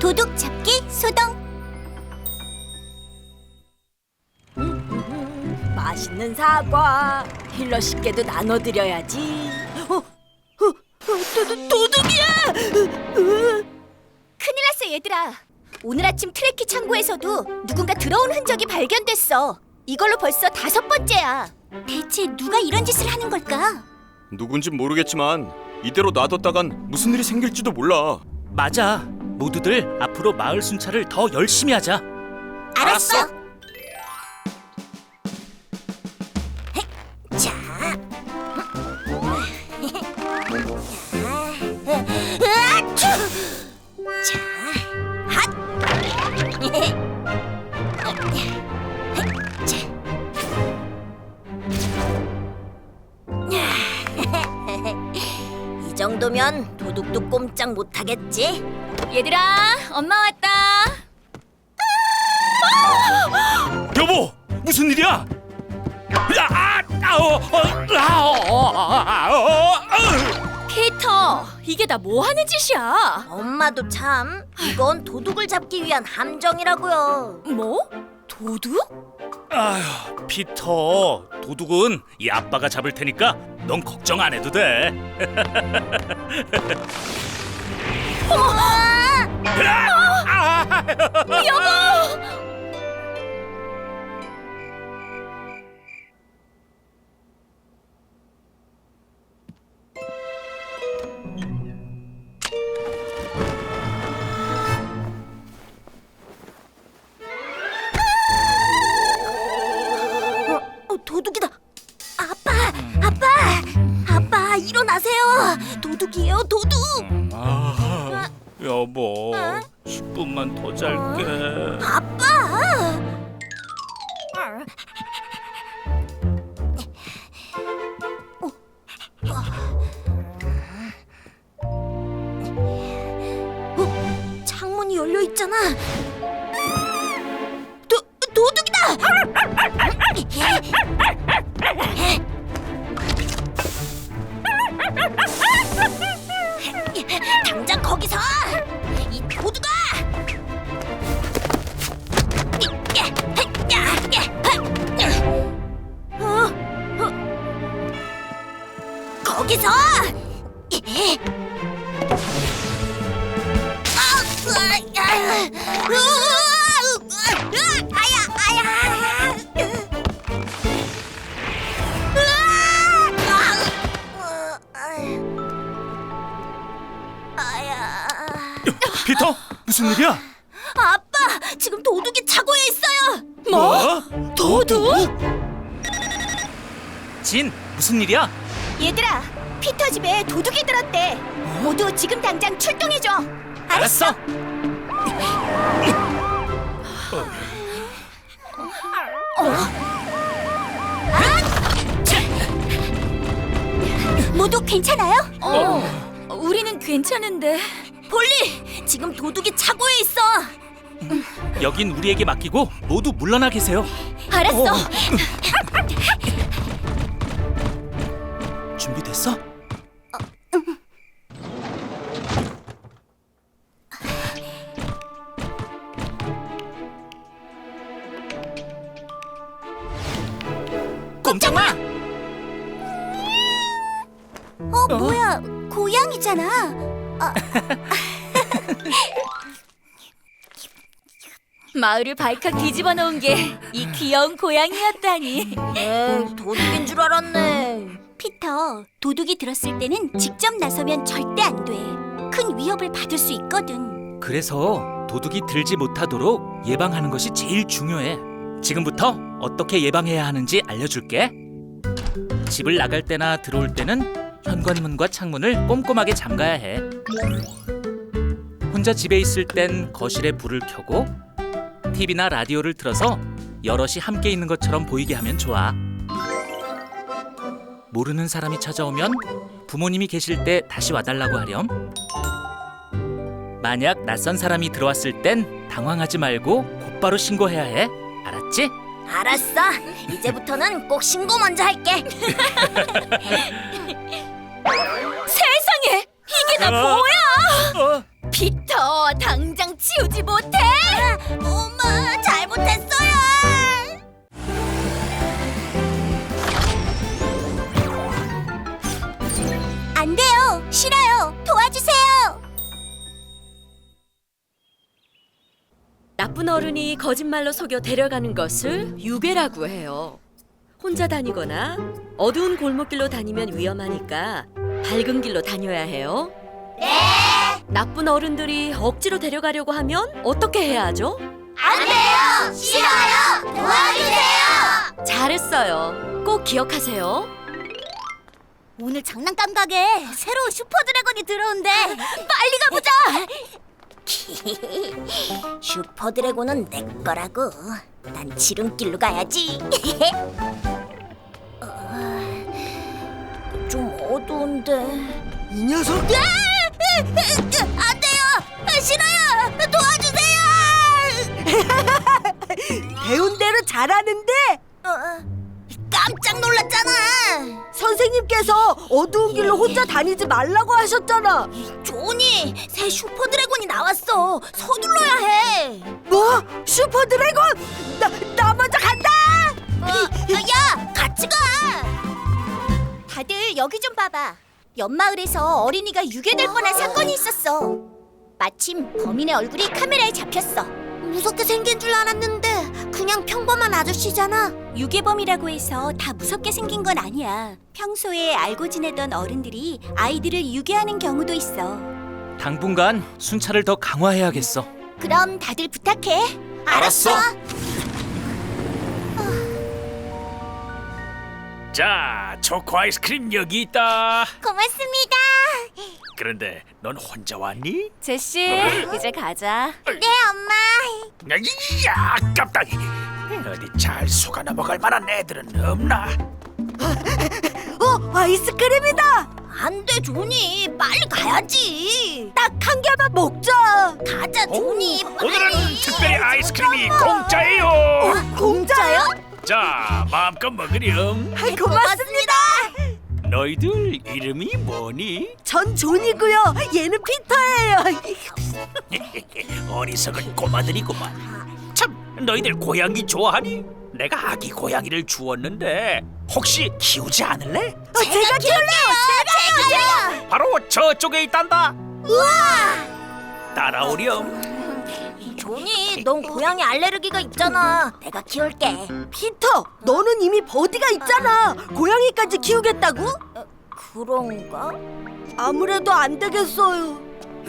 도둑 잡기 소동. 맛있는 사과 힐러 씨께도 나눠드려야지. 도둑이야! 큰일 났어 얘들아. 오늘 아침 트래키 창고에서도 누군가 들어온 흔적이 발견됐어. 이걸로 벌써 5번째야. 대체 누가 이런 짓을 하는 걸까? 누군진 모르겠지만 이대로 놔뒀다간 무슨 일이 생길지도 몰라. 맞아. 모두들 앞으로 마을 순찰을 더 열심히 하자. 알았어. 자. 자, 핫. 이 정도면 도둑도 꼼짝 못하겠지? 얘들아, 엄마 왔다. 여보, 무슨 일이야? 피터, 이게 다 뭐 하는 짓이야? 엄마도 참, 이건 도둑을 잡기 위한 함정이라고요. 뭐? 도둑? 아휴, 피터, 도둑은 이 아빠가 잡을 테니까 넌 걱정 안 해도 돼. 도둑이다. 아빠, 일어나세요. 도둑이에요, 도둑. 여보, 10분만 더 잘게. 아빠. 창문이 열려 있잖아. 도둑이다. 당장 거기서 이 도둑아! 거기서! 피터, 무슨 일이야? 아빠, 지금 도둑이 차고에 있어요. 뭐? 도둑? 진, 무슨 일이야? 얘들아, 피터 집에 도둑이 들었대. 모두 지금 당장 출동해줘. 알았어. 모두 괜찮아요? 우리는 괜찮은데. 폴리, 지금 도둑이 차고에 있어. 여긴 우리에게 맡기고 모두 물러나 계세요. 알았어. 준비됐어? 꼼짝 마! 뭐야, 고양이잖아. 마을을 발칵 뒤집어 놓은 게 이 귀여운 고양이였다니. 도둑인 줄 알았네. 피터, 도둑이 들었을 때는 직접 나서면 절대 안 돼. 큰 위협을 받을 수 있거든. 그래서 도둑이 들지 못하도록 예방하는 것이 제일 중요해. 지금부터 어떻게 예방해야 하는지 알려줄게. 집을 나갈 때나 들어올 때는 현관문과 창문을 꼼꼼하게 잠가야 해. 혼자 집에 있을 땐 거실에 불을 켜고 TV나 라디오를 틀어서 여럿이 함께 있는 것처럼 보이게 하면 좋아. 모르는 사람이 찾아오면 부모님이 계실 때 다시 와달라고 하렴. 만약 낯선 사람이 들어왔을 땐 당황하지 말고 곧바로 신고해야 해. 알았지? 알았어. 이제부터는 꼭 신고 먼저 할게. 세상에! 이게 다 뭐야! 피터, 당장 집에 치우지 못해? 엄마, 잘못했어요. 안 돼요. 싫어요. 도와주세요. 나쁜 어른이 거짓말로 속여 데려가는 것을 유괴라고 해요. 혼자 다니거나 어두운 골목길로 다니면 위험하니까 밝은 길로 다녀야 해요. 네. 나쁜 어른들이 억지로 데려가려고 하면 어떻게 해야 하죠? 안 돼요. 싫어요. 도와주세요. 잘했어요. 꼭 기억하세요. 오늘 장난감 가게에 새로운 슈퍼 드래곤이 들어온대. 빨리 가보자. 슈퍼 드래곤은 내 거라고. 난 지름길로 가야지. 좀 어두운데. 이 녀석! 안 돼요. 싫어요. 도와주세요. 배운 대로 잘하는데 깜짝 놀랐잖아. 선생님께서 어두운 길로 혼자 다니지 말라고 하셨잖아. 조니, 새 슈퍼 드래곤이 나왔어. 서둘러야 해. 뭐? 슈퍼 드래곤? 나 먼저 간다. 야, 같이 가. 다들 여기 좀 봐봐. 옆마을에서 어린이가 유괴될 뻔한 사건이 있었어. 마침 범인의 얼굴이 카메라에 잡혔어. 무섭게 생긴 줄 알았는데 그냥 평범한 아저씨잖아. 유괴범이라고 해서 다 무섭게 생긴 건 아니야. 평소에 알고 지내던 어른들이 아이들을 유괴하는 경우도 있어. 당분간 순찰을 더 강화해야겠어. 그럼 다들 부탁해. 알았어. 자, 초코 아이스크림 여기 있다. 고맙습니다. 그런데 넌 혼자 왔니? 제시, 이제 가자. 네, 엄마. 야, 아깝다. 어디 잘 속아 넘어갈 만한 애들은 없나? 아이스크림이다. 안 돼, 조니. 빨리 가야지. 딱 한 개만 먹자. 가자, 조니. 오늘은 특별히 아이스크림이 공짜예요. 공짜요? 자, 마음껏 먹으렴. 고맙습니다. 너희들 이름이 뭐니? 전 존이고요. 얘는 피터예요. 어리석은 꼬마들이구만. 참, 너희들 고양이 좋아하니? 내가 아기 고양이를 주었는데 혹시 키우지 않을래? 제가 키울래요. 제가요. 바로 저쪽에 있단다. 우와. 따라오렴. 조니, 넌 고양이 알레르기가 있잖아. 내가 키울게. 피터, 너는 이미 버디가 있잖아. 고양이까지 키우겠다고? 그런가? 아무래도 안 되겠어요.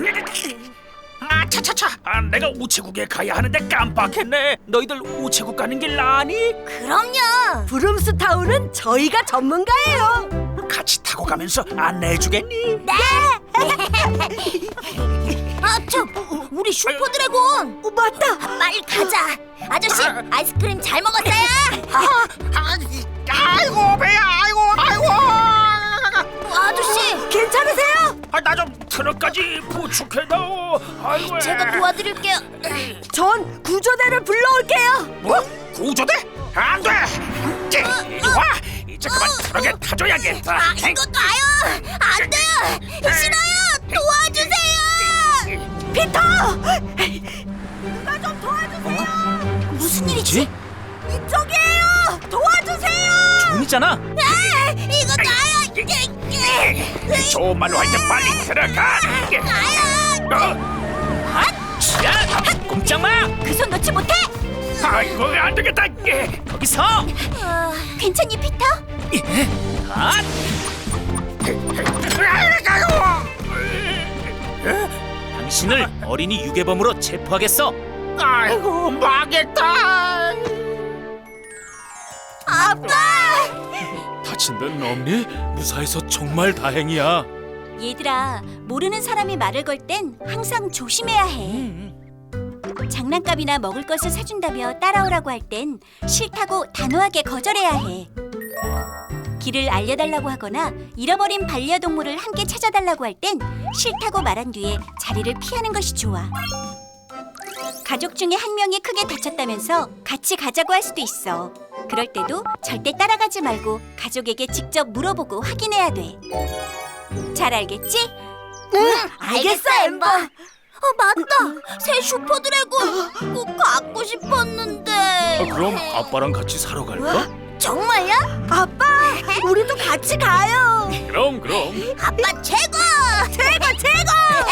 아, 차차차. 내가 우체국에 가야 하는데 깜빡했네. 너희들 우체국 가는 길 아니? 그럼요. 브룸스타운은 저희가 전문가예요. 같이 타고 가면서 안내해주겠니? 아, 참. 우리 슈퍼 드래곤. 맞다. 빨리 가자. 아저씨, 아이스크림 잘 먹었어요? 아이고 배야, 아이고. 아저씨, 괜찮으세요? 나 좀 트럭까지 부축해다오. 아이고. 제가 도와드릴게요. 전 구조대를 불러올게요. 뭐? 구조대? 안 돼. 이리 와. 이제 그만 트럭에 타줘야겠다. 이거 놔요. 안 돼요. 싫어요. 도와주세요. 피터! 누가 좀 도와주세요. 무슨 일이지? 이쪽이에요. 도와주세요. 존이잖아. 이거 놔요. 좋은 말로 할 때 빨리 들어가. 야, 꼼짝마. 그 손 놓지 못해. 아이고, 안 되겠다. 거기서. 괜찮니, 피터? 아, 당신을 어린이 유괴범으로 체포하겠어. 아이고, 망했다. 아빠! 다친 데는 없니? 무사해서 정말 다행이야. 얘들아, 모르는 사람이 말을 걸 땐 항상 조심해야 해. 장난감이나 먹을 것을 사준다며 따라오라고 할 땐 싫다고 단호하게 거절해야 해. 길을 알려달라고 하거나 잃어버린 반려동물을 함께 찾아달라고 할 땐 싫다고 말한 뒤에 자리를 피하는 것이 좋아. 가족 중에 한 명이 크게 다쳤다면서 같이 가자고 할 수도 있어. 그럴 때도 절대 따라가지 말고 가족에게 직접 물어보고 확인해야 돼. 잘 알겠지? 응, 알겠어, 엠버. 맞다. 새 슈퍼 드래곤 꼭 갖고 싶었는데. 그럼 아빠랑 같이 사러 갈까? 정말요? 아빠, 우리도 같이 가요. 그럼. 아빠 최고! 최고!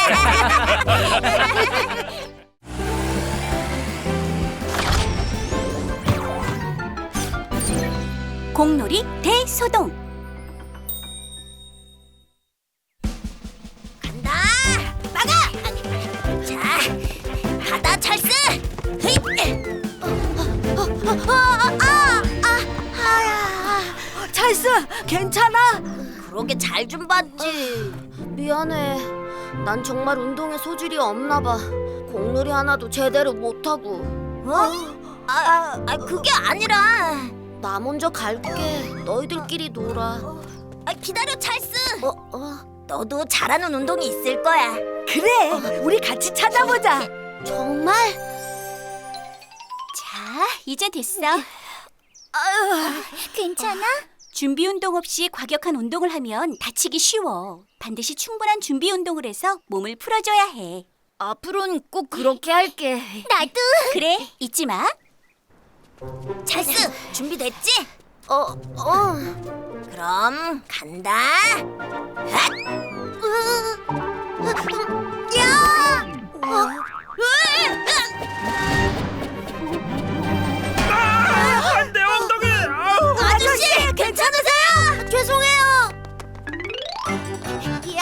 공놀이 대소동. 간다! 막아! 자, 가다 찰스! 헤이! 찰스, 괜찮아? 그러게 잘 좀 봤지. 미안해. 난 정말 운동에 소질이 없나 봐. 공놀이 하나도 제대로 못하고. 그게 아니라. 나 먼저 갈게. 너희들끼리 놀아. 기다려, 찰스. 너도 잘하는 운동이 있을 거야. 그래, 우리 같이 찾아보자. 정말? 자, 이제 됐어. 괜찮아? 준비 운동 없이 과격한 운동을 하면 다치기 쉬워. 반드시 충분한 준비 운동을 해서 몸을 풀어줘야 해. 앞으로는 꼭 그렇게 할게. 나도. 그래, 잊지 마. 찰스, 준비됐지? 그럼 간다. 야! 안돼 엉덩이. 아저씨, 괜찮으세요? 죄송해요. 야!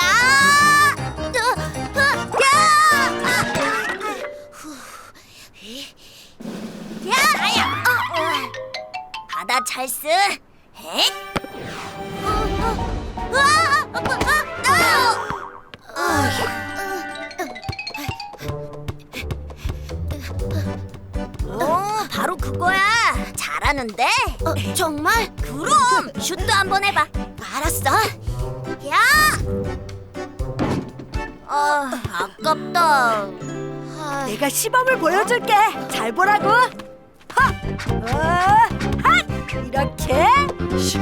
가다 찰스. 헷! 바로 그거야. 잘하는데? 정말? 그럼 슛도 한번 해봐. 알았어. 야! 아깝다. 내가 시범을 보여줄게. 잘 보라고. 핫! 이렇게 슛!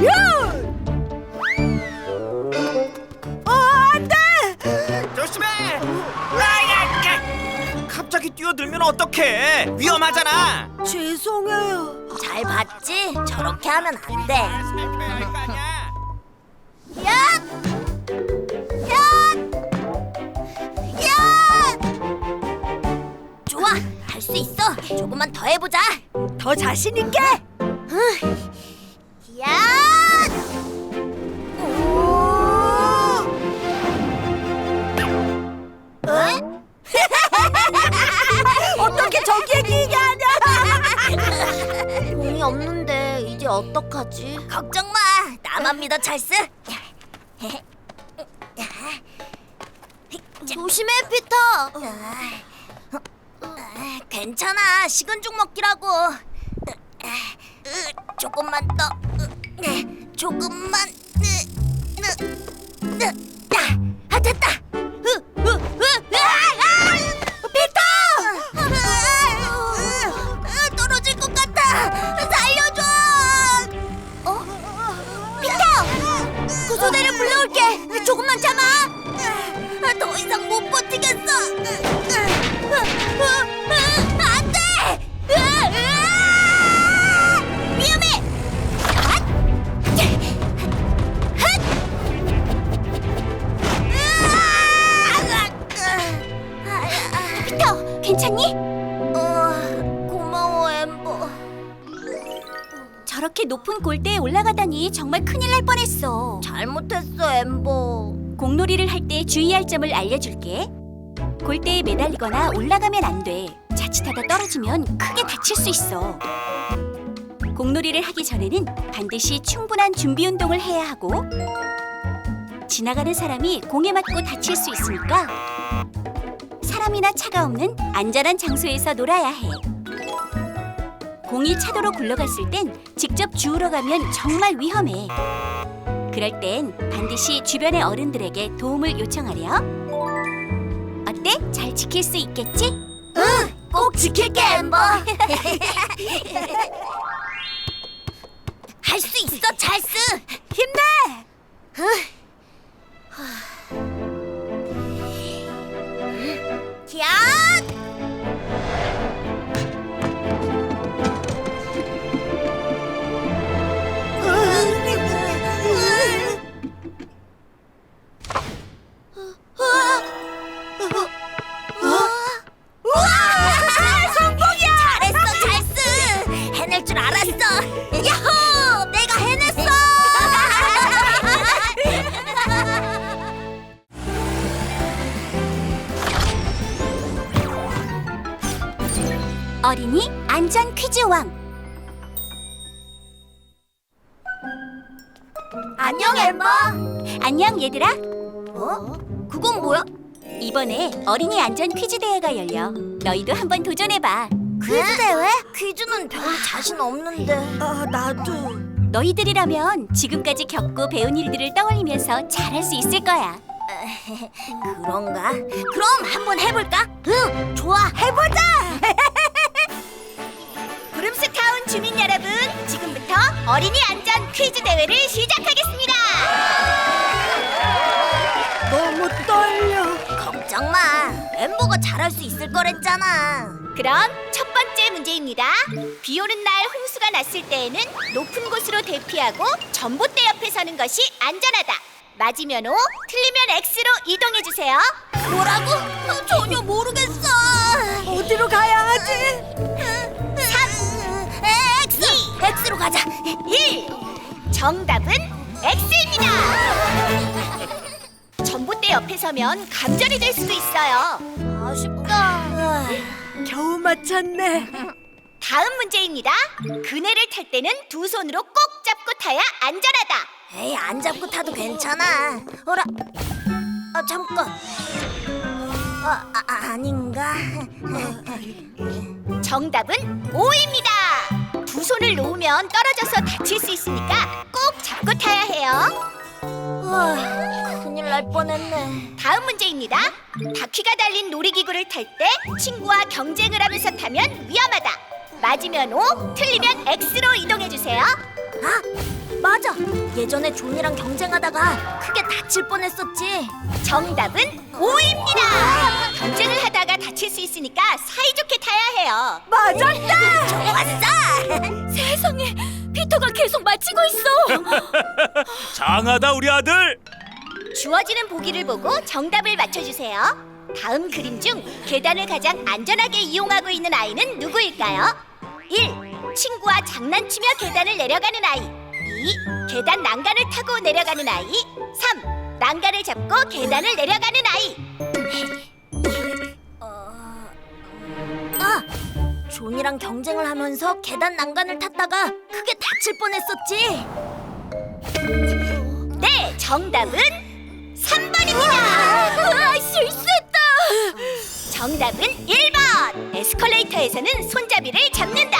안 돼! 조심해. 갑자기 뛰어들면 어떡해? 위험하잖아. 죄송해요. 잘 봤지? 저렇게 하면 안 돼. 야! 야! 야! 좋아, 할 수 있어. 조금만 더 해보자. 더 자신 있게. 야! 어떻게 저기에 기게 하냐? 공이 없는데 이제 어떡하지? 걱정 마. 나만 믿어, 찰스. 조심해, 피터. 괜찮아. 식은 죽 먹기라고. 조금만 더. 조금만. 됐다. 피터! 떨어질 것 같아. 살려줘. 피터! 구조대를 불러올게. 조금만 참아. 더 이상 못 버티겠어. 안 돼! 위험해! 피터, 괜찮니? 고마워, 엠버. 저렇게 높은 골대에 올라가다니 정말 큰일 날 뻔했어. 잘못했어, 엠버. 공놀이를 할 때 주의할 점을 알려줄게. 골대에 매달리거나 올라가면 안 돼. 자칫하다 떨어지면 크게 다칠 수 있어. 공놀이를 하기 전에는 반드시 충분한 준비 운동을 해야 하고, 지나가는 사람이 공에 맞고 다칠 수 있으니까 사람이나 차가 없는 안전한 장소에서 놀아야 해. 공이 차도로 굴러갔을 땐 직접 주우러 가면 정말 위험해. 그럴 땐 반드시 주변의 어른들에게 도움을 요청하렴. 어때? 잘 지킬 수 있겠지? 응! 꼭 지킬게, 엠버! 할 수 있어, 찰스! 힘내! 야! 어린이 안전 퀴즈 왕. 안녕 엠버. 안녕 얘들아. 어? 그건 뭐야? 이번에 어린이 안전 퀴즈 대회가 열려. 너희도 한번 도전해봐. 퀴즈 대회? 퀴즈는 별로 자신 없는데. 나도. 너희들이라면 지금까지 겪고 배운 일들을 떠올리면서 잘할 수 있을 거야. 그런가? 그럼 한번 해볼까? 응, 좋아. 해보자. 브룸스타운 주민 여러분, 지금부터 어린이 안전 퀴즈 대회를 시작하겠습니다. 너무 떨려. 걱정 마. 엠버가 잘할 수 있을 거랬잖아. 그럼 첫 번째 문제입니다. 비 오는 날 홍수가 났을 때에는 높은 곳으로 대피하고 전봇대 옆에 서는 것이 안전하다. 맞으면 O, 틀리면 X로 이동해 주세요. 뭐라고? 전혀 모르겠어. 어디로 가야 하지? 3, X. X로 가자. 1. 정답은 X입니다. 전봇대 옆에 서면 감전이 될 수도 있어요. 아쉽다. 겨우 맞췄네. 다음 문제입니다. 그네를 탈 때는 두 손으로 꼭 잡고 타야 안전하다. 에이, 안 잡고 타도 괜찮아. 어라? 잠깐. 아닌가? 정답은 O입니다. 두 손을 놓으면 떨어져서 다칠 수 있으니까 꼭 잡고 타야 해요. 큰일 날 뻔했네. 다음 문제입니다. 바퀴가 달린 놀이기구를 탈 때 친구와 경쟁을 하면서 타면 위험하다. 맞으면 O, 틀리면 X로 이동해 주세요. 맞아. 예전에 존이랑 경쟁하다가 크게 다칠 뻔했었지. 정답은 O입니다. 경쟁을 하다가 다칠 수 있으니까 사이좋게 타야 해요. 맞았다. 좋았어. 세상에, 피터가 계속 맞히고 있어. 장하다 우리 아들. 주어지는 보기를 보고 정답을 맞춰주세요. 다음 그림 중 계단을 가장 안전하게 이용하고 있는 아이는 누구일까요? 1. 친구와 장난치며 계단을 내려가는 아이. 2. 계단 난간을 타고 내려가는 아이. 3. 난간을 잡고 계단을 내려가는 아이. 존이랑 경쟁을 하면서 계단 난간을 탔다가 크게 다칠 뻔했었지. 네, 정답은 3번입니다. 실수했다. 정답은 1번. 에스컬레이터에서는 손잡이를 잡는다.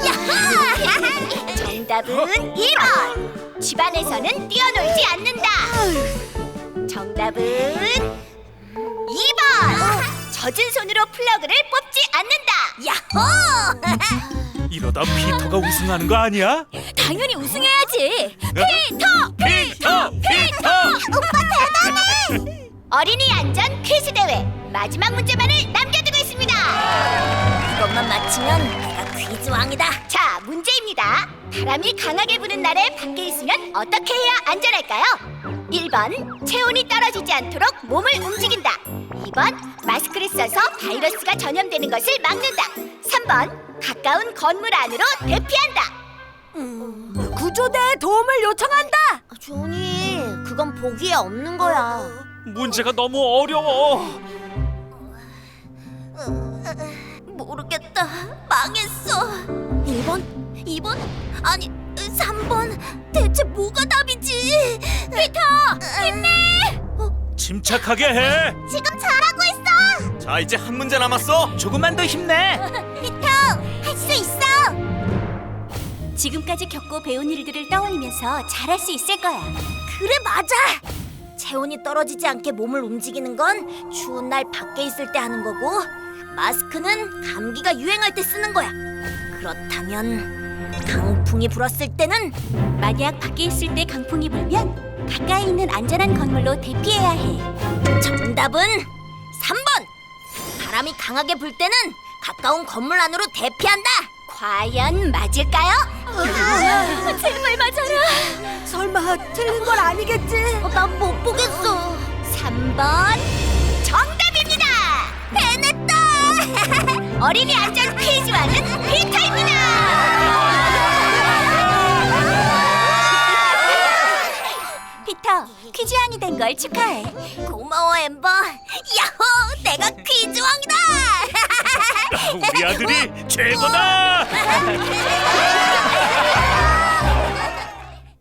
정답은 2번. 집안에서는 뛰어놀지 않는다. 정답은 2번. 젖은 손으로 플러그를 뽑지 않는다. 야호! 이러다 피터가 우승하는 거 아니야? 당연히 우승해야지. 피터! 어린이 안전 퀴즈 대회 마지막 문제만을 남겨두고 있습니다. 이것만 맞히면 내가 퀴즈 왕이다. 자, 문제입니다. 바람이 강하게 부는 날에 밖에 있으면 어떻게 해야 안전할까요? 1번, 체온이 떨어지지 않도록 몸을 움직인다. 2번, 마스크를 써서 바이러스가 전염되는 것을 막는다. 3번, 가까운 건물 안으로 대피한다. 구조대에 도움을 요청한다. 존이, 그건 보기에 없는 거야. 문제가 너무 어려워. 모르겠다. 망했어. 1번? 2번? 아니, 3번? 대체 뭐가 답이지? 피터! 힘내! 침착하게 해. 지금 잘하고 있어! 자, 이제 한 문제 남았어. 조금만 더 힘내. 피터! 할 수 있어! 지금까지 겪고 배운 일들을 떠올리면서 잘할 수 있을 거야. 그래, 맞아! 체온이 떨어지지 않게 몸을 움직이는 건 추운 날 밖에 있을 때 하는 거고, 마스크는 감기가 유행할 때 쓰는 거야. 그렇다면 강풍이 불었을 때는 만약 밖에 있을 때 강풍이 불면 가까이 있는 안전한 건물로 대피해야 해. 정답은 3번! 바람이 강하게 불 때는 가까운 건물 안으로 대피한다! 과연 맞을까요? 제발 맞아라. 설마 틀린 건 아니겠지? 난 못 보겠어. 3번 정답입니다. 해냈다! 어린이 안전 퀴즈왕은 피터입니다. 피터, 퀴즈왕이 된 걸 축하해. 고마워, 엠버. 야호! 내가 퀴즈왕이다! 우리 우리 아들이 최고다.